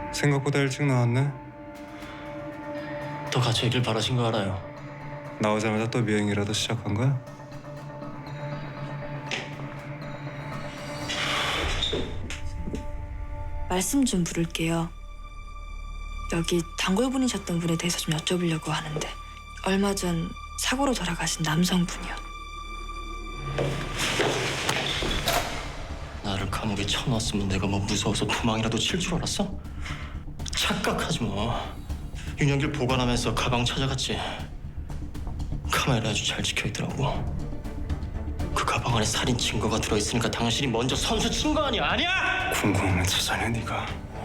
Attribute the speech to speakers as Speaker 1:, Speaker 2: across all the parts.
Speaker 1: 생각보다 일찍 나왔네.
Speaker 2: 더 같이 있길 바라신 거 알아요.
Speaker 1: 나오자마자 또 미행이라도 시작한 거야?
Speaker 3: 말씀 좀 물을게요. 여기 단골분이셨던 분에 대해서 좀 여쭤보려고 하는데 얼마 전 사고로 돌아가신 남성분이요.
Speaker 2: 나를 감옥에 쳐넣었으면 내가 뭐 무서워서 도망이라도 칠 줄 알았어? 착각하지 뭐. 윤영길 보관하면서 가방 찾아갔지. 카메라 아주 잘 찍혀있더라고. 그 가방 안에 살인 증거가 들어있으니까 당신이 먼저 선수 친 거 아니야? 아니야?
Speaker 1: 궁금하면 찾아내 네가.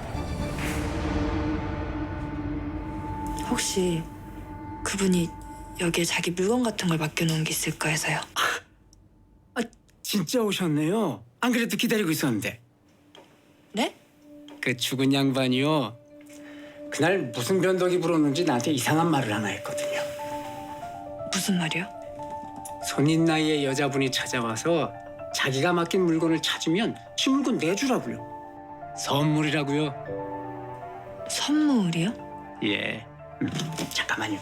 Speaker 3: 혹시 그분이 여기에 자기 물건 같은 걸 맡겨놓은 게 있을까 해서요.
Speaker 4: 아, 진짜 오셨네요. 안 그래도 기다리고 있었는데.
Speaker 3: 네?
Speaker 4: 그 죽은 양반이요. 그날 무슨 변덕이 불었는지 나한테 이상한 말을 하나 했거든요.
Speaker 3: 무슨 말이요?
Speaker 4: 손인 나이의 여자분이 찾아와서 자기가 맡긴 물건을 찾으면 지 물건 내주라고요. 선물이라고요.
Speaker 3: 선물이요?
Speaker 4: 예. 잠깐만요.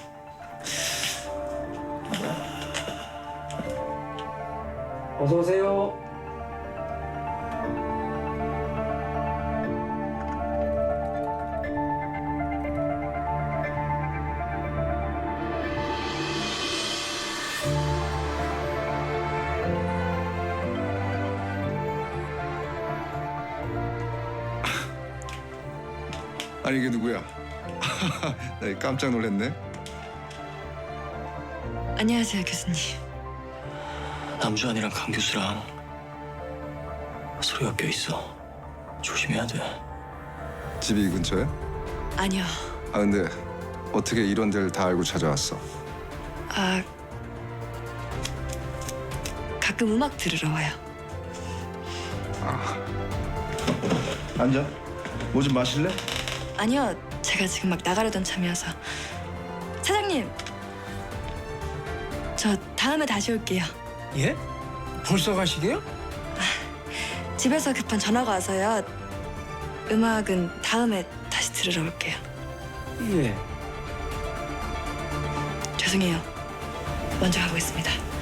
Speaker 4: 어서 오세요.
Speaker 5: 아니 이게 누구야? 나 깜짝 놀랐네.
Speaker 3: 안녕하세요, 교수님.
Speaker 2: 남주환이랑 강 교수랑 서로 엮여 있어. 조심해야 돼.
Speaker 5: 집이 이 근처에?
Speaker 3: 아니요.
Speaker 5: 아 근데 어떻게 이런 데를 다 알고 찾아왔어?
Speaker 3: 가끔 음악 들으러 와요.
Speaker 5: 앉아. 뭐 좀 마실래?
Speaker 3: 아니요, 제가 지금 막 나가려던 참이어서. 사장님, 저 다음에 다시 올게요.
Speaker 4: 예? 벌써 가시게요?
Speaker 3: 집에서 급한 전화가 와서요. 음악은 다음에 다시 들으러 올게요.
Speaker 4: 예.
Speaker 3: 죄송해요. 먼저 가보겠습니다.